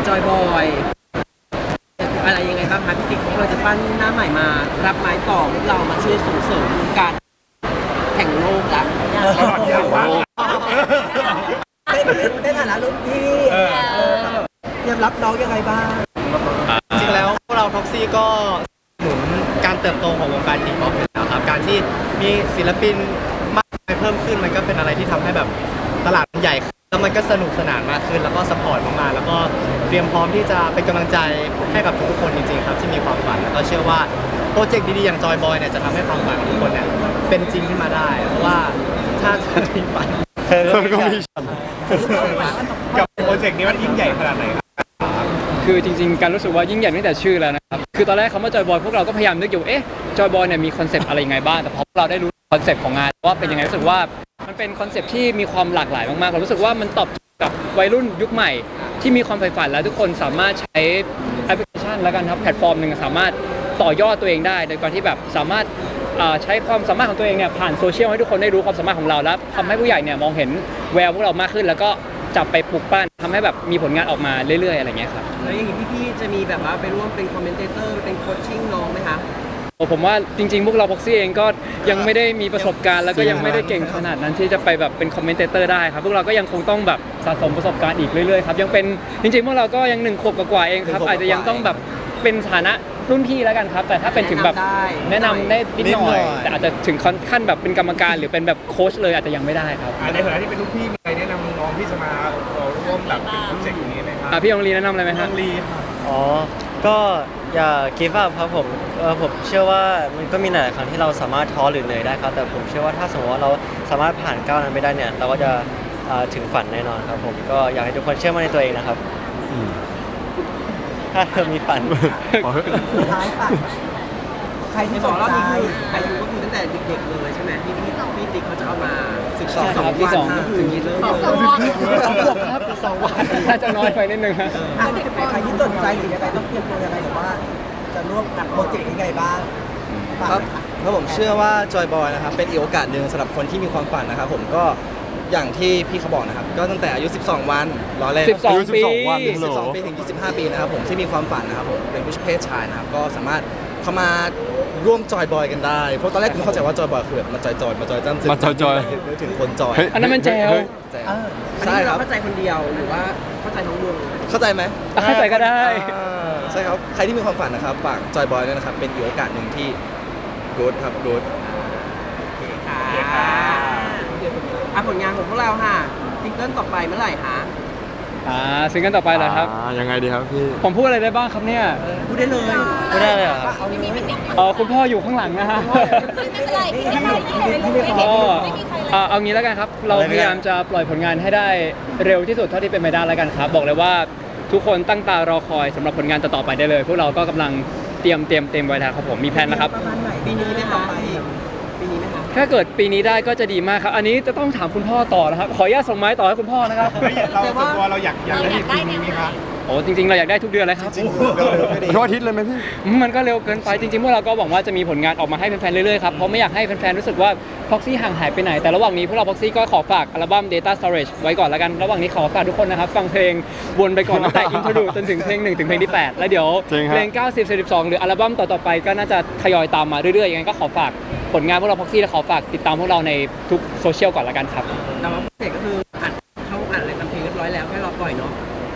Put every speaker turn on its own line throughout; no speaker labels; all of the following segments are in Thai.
จอยบอยอะไรยังไงบ้างคะพี่ติ๊กเราจะปั้นหน้าใหม่มารับไม้ต่อพวกเรามาช่วยส่งเสริมการแข่งโลกละ
ในฐานะรุ่นพี่เตรียมรับน้องยังไงบ้าง
จริงๆแล้วพวกเราพ็อกซี่ก็หนุนการเติบโตของวงการทีป๊อปอยู่แล้วครับการที่มีศิลปินมากมายเพิ่มขึ้นมันก็เป็นอะไรที่ทำให้แบบตลาดมันใหญ่ขึ้นแล้วมันก็สนุกสนานมากขึ้นแล้วก็สปอร์ตมากๆแล้วก็เตรียมพร้อมที่จะเป็นกำลังใจให้กับทุกๆคนจริงๆครับที่มีความฝันแล้วก็เชื่อว่าโปรเจกต์ดีๆอย่างจอยบอยเนี่ยจะทำให้ความฝันของทุกคนเนี่ยเป็นจริงขึ้นมาได้เพราะว่าถ้ามีฝัน
ก็มีฉัน
กับโปรเจกต์นี้มันยิ่งใหญ่ขนาดไหนครับ
คือจริงๆการรู้สึกว่ายิ่งใหญ่ตั้งแต่ชื่อแล้วนะครับคือตอนแรกคำว่าจอยบอยพวกเราก็พยายามนึกอยู่จอยบอยเนี่ยมีคอนเซปต์อะไรยังไงบ้างแต่พอเราได้รู้คอนเซปต์ของงานว่าเป็นยังไงรู้สึกว่ามันเป็นคอนเซปต์ที่มีความหลากหลายมากๆเรารู้สึกว่ามันตอบกับวัยรุ่นยุคใหม่ที่มีความใฝ่ฝันและทุกคนสามารถใช้แอปพลิเคชันแล้วกันครับแพลตฟอร์มหนึ่งสามารถต่อยอดตัวเองได้โดยการที่แบบสามารถใช้ความสามารถของตัวเองเนี่ยผ่านโซเชียลให้ทุกคนได้รู้ความสามารถของเราแล้วทำให้ผู้ใหญ่เนี่ยมองเห็นแววพวกเรามากขึ้นแล้วก็จับไปปลุกปั้นทำให้แบบมีผลงานออกมาเรื่อยๆอะไรเงี้ยครับ
แล้วอย่างนี้พี่ๆจะมีแบบว่าไปร่วมเป็นคอมเมนเตเตอร์เป็นโคชชิ่งน้องไหมคะ
ผมว่าจริงๆพวกเราพ็อกซี่เองก็ยังไม่ได้มีประสบการณ์แล้วก็ยังไม่ได้เก่งขนาดนั้นที่จะไปแบบเป็นคอมเมนเตอร์ได้ครับพวกเราก็ยังคงต้องแบบสะสมประสบการณ์อีกเรื่อยๆครับยังเป็นจริงๆพวกเราก็ยัง1 ขวบกว่าเองครับอาจจะยังต้องแบบเป็นฐานะรุ่นพี่แล้วกันครับแต่ถ้าเป็นถึงแบบแนะนำได้นิดหน่อยแต่อาจจะถึงขั้นแบบเป็นกรรมการหรือเป็นแบบโค้ชเลยอาจจะยังไม่ได้ครับ
ในฐานะที่เป็นลูกพี่มีอะไรแนะนำน้องที่จะมาร่วมแบบโปรเจกต์อย่างนี้ไหมครับ
พี่องลีแนะนำอะไรไหมครับ
อ๋อ ก็อย่า give up ครับผมผมเชื่อว่ามันก็มีหลายครั้งที่เราสามารถท้อหรือเหนื่อยได้ครับแต่ผมเชื่อว่าถ้าสมมติว่าเราสามารถผ่านก้าวนั้นไปได้เนี่ยเราก็จะถึงฝันแน่นอนครับผมก็อยากให้ทุกคนเชื่อมั่นในตัวเองนะครับถ้าเธอมีฝัน
สุดท้ายค่ะใครที่
ที่
ส
บอน กรอบ
ใจ
นี้คืออายุก็คือตั้งแต่เด็กๆเลยใช่ไหมที่พี่ติ๊กเขาจะเอามาศึกษา
ใช่ครับที่สอง
ก็คือเริ่ม
2 ขวบครับ2 วันน่าจะน้อยไปนิดนึงครับ
ใครที่สนใจหรือยังไงต้องเตรียมตัวยังไงหรือว่าจะร่วมกับโปรเจกต์ยังไงบ้างฝาก
ครับ
หน่อยค่ะ
แล้วผมเชื่อว่าจอยบอยนะครับเป็นอีกโอกาสหนึ่งสำหรับคนที่มีความฝันนะครับผมก็อย่างที่พี่เขาบอกนะครับก็ตั้งแต่อายุ 12 วันรอเล่น
12 ปี
12 วัน12 ปีถึง 25 ปีนะครับผมที่มีความฝันนะครับผมเป็นผู้เพศชายนะครับก็สามารถเข้ามาร่วมจอยบอยกันได้เพราะตอนแรกผมเข้าใจว่าจอยบอยคือแบบมาจอยมาจอยจ้ำซึ้ง
มาจอย
นึกถึงคนจอย
อันนั้นมันแจว
แจ๋ว
เออ
อัน
ใช่
นี้
ค
เรา
รับ
เข้าใจคนเดียวหรือว่าเข้าใจทั้งวง
เข้าใจไหม
เข้าใจก็ได้
ใช่ครับใครที่มีความฝันนะครับฝากจอยบอยด้วยนะครับเป็นอีกโอกาสหนึ่งที่ good ครับ good
ค่ะผลงานของพวกเราค่ะซิงเกิลต่อไปเมื่อไหร่คะ
ซิงเกิลต่อไปเหรอครับ
ยังไงดีครับพี่
ผมพูดอะไรได้บ้างครับเนี่ย
พูดได้เลย
ไม่ได้เลยเหรอครับ
เอาเลย
คุณพ่ออยู่ข้างหลังนะฮะ เอางี้แล้วกันครับ เราพยายามจะปล่อยผลงานให้ได้เร็วที่สุดเท่าที่เป็นไปได้แล้วกันครับ บอกเลยว่าทุกคนตั้งตารอคอยสำหรับผลงานต่อๆไปได้เลย พวกเราก็กำลังเตรียมไว้แล้วครับผมมีแผนแล้วครับ
ประมาณไหน
ปีนี้ไหมคะปีนี้ไหมคะ
ถ้าเกิดปีนี้ได้ก็จะดีมากครับ อันนี้จะต้องถามคุณพ่อต่อนะครับ ขออนุญาตส่งไม้ต่อให้คุณพ่อนะครับ
เราส่วนตัวเราอยากได้ทีมนี้ไหมครับ
โอ้จริงๆเราอยากได้ทุกเดือนเลยครับ
ทุกอาทิตย์เลยไหมพี่
มันก็เร็วเกินไปจริงๆพวกเราก็หวังว่าจะมีผลงานออกมาให้แฟนๆเรื่อยๆครับเพราะไม่อยากให้แฟนๆรู้สึกว่า Proxy ห่างหายไปไหนแต่ระหว่างนี้พวกเรา Proxy ก็ขอฝากอัลบั้ม Data Storage ไว้ก่อนแล้วกันระหว่างนี้ขอฝากทุกคนนะครับฟังเพลงวนไปก่อนตั้งแต่ Intro จนถึงเพลง1ถึงเพลงที่8แล้วเดี๋ยว
จริงครับ
เพลง90 12หรืออัลบั้มต่อๆไปก็น่าจะทยอยตามมาเรื่อยๆยังไงก็ขอฝากผลงานพวกเรา Proxy และขอฝากติดตามพวกเราในทุกโซเชียลก่อนแล้วกันครับ
แต่ว่าเสร็จก็คือเข้าอัดอะไรทำเพลงเรียบร้อยแล้วแค่รอปล่อยเนาะ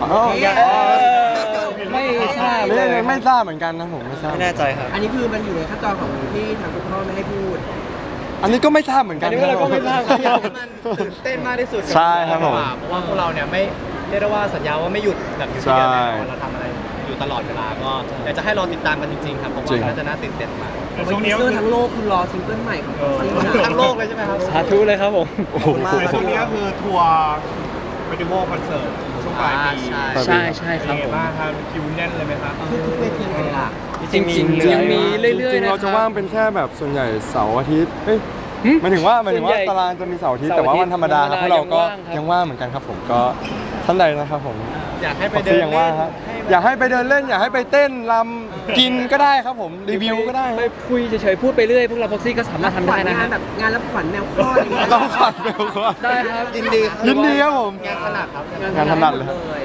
ไม่ทราบ
ไม่ทราบเหมือนกันนะผมไม่ทราบ
ไม่แน่ใจครับ
อันนี้คือมันอยู่ในขั้นตอนของที่ทางคุณพ่อไม่ให้พูด
อันนี้ก็ไม่ทราบเหมือนกั
อั
น
นนี้พวกเราก็ไม่ทราบครับ
มันตื่นเต้นมากที่สุด
ใช่ครับผม
เพราะว่าพวกเราเนี่ยไม่เรียกได้ว่าสัญญาว่าไม่หยุดแบบอยู่ที่เดียวแน่นอนเราทำอะไรอยู่ตลอดเวลาก็อยากจะให้รอติดตามกันจริงๆครับผมว่าน่าจะน่าตื่นเต้นมาก
ช่วงนี้ทั้งโลกคือรอซิงเกิลใหม่ของซิงเกิล
ทั้งโลกเลยใช่ไหมครับ
สาธุเลยครับผม
โอ้โห
ช่วงนี้ก็คือทัวร์เฟสติวัลคอนเสิร์ตช่วงปลายปี
ใช่ครับ
เป็น
ผม
ไงบ้างครับคิวแน่นเลยไหมครับ
ทุกเวทีเลยล่ะ
จริงๆยังมีเรื่อยๆ
จริงๆ
นะ
เราจะว่างเป็นแค่แบบส่วนใหญ่เสาร์อาทิตย์เอ้ย
หึ
หมายถึงว่า
ส่วนใหญ่
ตารางจะมีเสาร์อาทิตย์
เสาร์
แต่ว่า
อาทิตย์
วันธรรมดาครับ
วันธรรมดา
พวกเราก็
ยั
ยัง ง
ว่า
ว่าง ง
ครับ
เหมือนกันครับผมก็ท่านใดนะครับผม
อยากให้ไป
พ็อก
เดิน
ซี่ยังว่างฮะอยากให้ไปเดินเล่นอยากให้ไปเต้นรำกินก็ได้ครับผมรีวิวก็ได้
ไปคุยเฉยๆพูดไปเรื่อยพวกเราพ็อกซี่ก็สามารถทำได้นะ
งา
ฮะ
นแบบงานรับขวัญแมวคลอดอะไรอย่างเงี้ย
ต้องขัดเร็วครับ
ได้ครับ
ยินดีครับ
ยินดีครับผม
งานขนาดครับ
งานถนัดเลย
เลย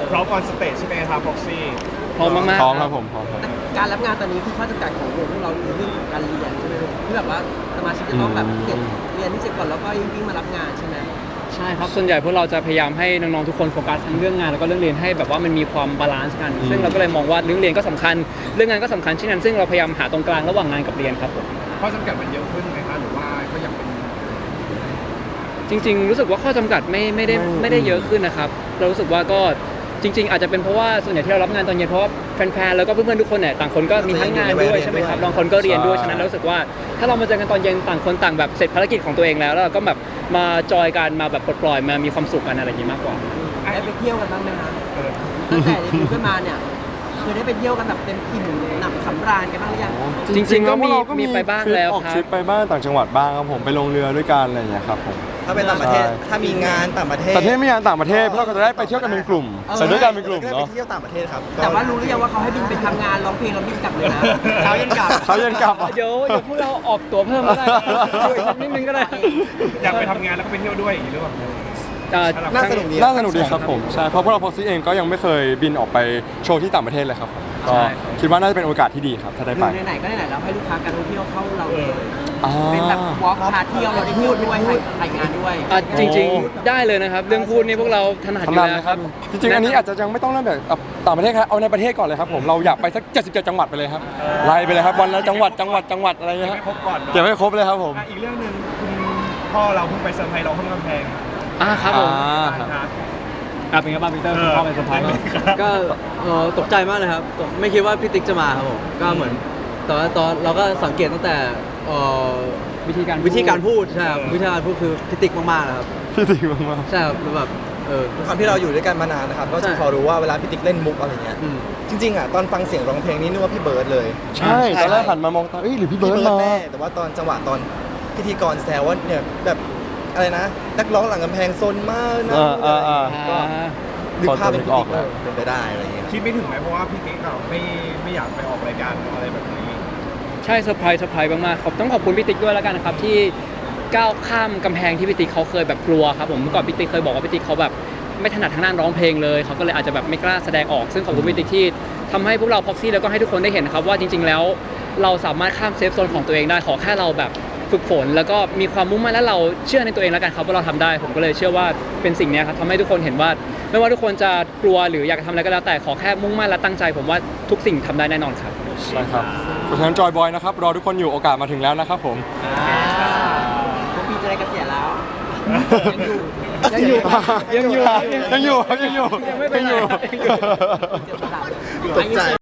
พร้อมออนสเตจใช่ไหมครับพ็อกซี่
พร้อมมากๆ
พร้อมครับผมพร้อมครับ
การรับงานตอนนี้คือข้อจำกัดของวงพวกเราคือเรื่องของการเรียนใช่ไหมลูกที่แบบว่าสมาชิกจะต้องแบบเก็บเรียนที่เสร็จก่อนแล้วก็วิ่งมารับงานใช่ไหม
ใช่ครับส่วนใหญ่พวกเราจะพยายามให้น้องๆทุกคนโฟกัสทั้งเรื่องงานแล้วก็เรื่องเรียนให้แบบว่ามันมีความบาลานซ์กัน ซึ่งเราก็เลยมองว่าเรื่องเรียนก็สำคัญ เรื่องงานก็สำคัญเช่นนั้นซึ่งเราพยายามหาตรงกลางระหว่างงานกับเรียนครับผม
ข้อจำกัดมันเยอะขึ้นไหมคะหรือว่าก็ยังเป็น
จริงๆ รู้สึกว่าข้อจำกัดไม่ได้เยอะขึ้นนะครับเรารู้สึกว่าก็จริง ๆ อาจจะเป็นเพราะว่าส่วนใหญ่ที่เรารับงานตอนเย็นเพราะว่าแฟนๆแล้วก็เพื่อนๆทุกคนเนี่ยต่างคนก็มีทั้งงานด้วยใช่ไหมครับบางคนก็เรียนด้วยฉะนั้นเรารู้สึกว่าถ้าเรามาเจอกันตอนเย็นต่างคนต่างแบบเสร็จภารกิจของตัวเองแล้วเราก็แบบมาจอยกันมาแบบปลดปล่อยมามีความสุขกันอะไรอย่างนี้มากกว่า
ได้ไปเที่ยวกันบ้างไหมคะตั้งแต่เรียนขึ้นมาเนี่ยคือได้ไปเที่ยวกันแบบเต็มอิ่มหนำสำราญกันบ้างหรือยัง
จริงๆก็มี
แล้วพวเรา
มีไปบ้างแล้ว
ออก
ครับ
ทริปไปบ้างต่างจังหวัดบ้างครับผมไปลงเรือด้วยกันอะไรอย่างเงี้ยครับผม
ถ้าไปต่างประเทศ
ใช่
ถ้ามีงานต่างประเทศ
แต่ที่ไม่งานต่างประเทศพวกเราก็จะได้ไปเที่ยวกันเป็นกลุ่มไปด้วยกันเป็นกลุ่ม
ได้ไป
เนาะ
เที่ยวต่างประเทศครับ
แต่ว่ารู้หรือยังว่าเขาให้บินไปทำงานร้องเพลงแล้วบินกลับเลยนะเช้าเย็นกลับ
เขาเย็นกลับอ่ะ
เดี๋ยวพวกเราออกตั๋วเพิ่มก็ได้ช่วยสักนิดนึงก็ได้
อยากไปทำงานแล้วก็ไปเที่ยวด้วยอย่างนี้หรือเปล่า
น่าสนุกดี
น่าสนุกดีครับผมใช่เพราะพวกเราพ็อกซี่เองก็ยังไม่เคยบินออกไปโชว์ที่ต่างประเทศเลยครับผมก็
ใช่
คิดว่าน่าจะเป็นโอกาสที่ดีครับถ้าได้ไป
ไหนๆก็ไหนๆแล้วให้ลูกค้าการท่องเที่ยวเข้าเราเลย
อ่า
เป็นแบบวอล์กพาเที่ยวเราได้พูดด้วยถ่ายงานด้วย
อ่ะจริงๆได้เลยนะครับ เรื่องพูดนี่พวกเราถนัดอยู่
ทำนาน
แล้ว
นะ
ค
ค
รั
รับ บจริงๆอันนี้อาจจะยังไม่ต้องเริ่มแบบต่างประเทศครับเอาในประเทศก่อนเลยครับผมเราอยากไปสัก77จังหวัดไปเลยครับไล่ไปเลยครับวันละจังหวัดอะไรเงี้ย
ไม่ครบก่อนเนาะ
เก็บให้ครบเลยครับผม
อีกเรื่องหนึ่งคุณพ่อเราเพิ่งไปเซอร์ไพรส์เราข้างกำแพง
ครับผม
ครับ
เป็นไงบ้างพีเตอร์คุณพ่อเป็นเซอร์ไพรส์ไหม
ก็ตกใจมากเลยครับไม่คิดว่าพี่ติ๊กจะมาครับผมก็เหมือนแต่ว่าตอนเราก็สังเกตตั้งแต่
วิธีการ
วิธีการพูดใช่ครับวิธีการพูดคือพี่ติ๊กมากๆนะครับ
พี่ติ๋มมาก
ใช่ครับแบบ
ด้วยความที่เราอยู่ด้วยกันมานานนะครับ ก็จะพอรู้ว่าเวลาพี่ติ๊กเล่นมุกอะไรเงี้ย
อืม
จริงๆอ่ะตอนฟังเสียงร้องเพลงนี่นึกว่าพี่เบิร์ดเลย
ๆใช่ตอนแรกหันมามองตาหรือพี่เบิร์ดมา
แน่แต่ว่าตอนจังหวะตอนพิธีกรแซวว่าเนี่ยแบบอะไรนะนักร้องหลังกำแพงซนมากนะก็นึกภาพเป็นพี่ติ๊กว่าเป็นไปได้อะไรเงี้ย
คิดไม่ถึงไหมเพราะว่าพี่ติ๊กเราไม่อยากไปออกรายการอะไรแบบนี้
ใช่เซอร์ไพรส์มากๆต้องขอบคุณพี่ติ๊กด้วยแล้วกันนะครับที่ก้าวข้ามกำแพงที่พี่ติ๊กเขาเคยแบบกลัวครับผมเมื่อก่อนพี่ติ๊กเคยบอกว่าพี่ติ๊กเขาแบบไม่ถนัดทางด้านร้องเพลงเลยเขาก็เลยอาจจะแบบไม่กล้าแสดงออกซึ่งขอบคุณพี่ติ๊กที่ทำให้พวกเราพ็อกซี่แล้วก็ให้ทุกคนได้เห็นนะครับว่าจริง ๆ แล้วเราสามารถข้ามเซฟโซนของตัวเองได้ขอแค่เราแบบฝึกฝนแล้วก็มีความมุ่งมั่นและเราเชื่อในตัวเองแล้วกันครับว่าเราทำได้ผมก็เลยเชื่อว่าเป็นสิ่งนี้ครับทำให้ทุกคนเห็นว่าไม่ว่าทุกคนจะกลัวหรืออยากทำอะไรก็แล้วแต่ขอแค่มุ่งมั่นและตั้งใจ ผมว่าทุกสิ่งทำได้แน่นอนครับ
ใช่ครับเพราะฉะนั้นจอยบอยนะครับรอทุกคนอยู่โอกาสมาถึงแล้วนะครับผม
พวกพี่จะได้เกษียณแล้ว
ยังอยู่ครับ
ยังอยู่ครับยังอยู่
ยังไม่ไปไหน
ยังอยู่
ตกใจ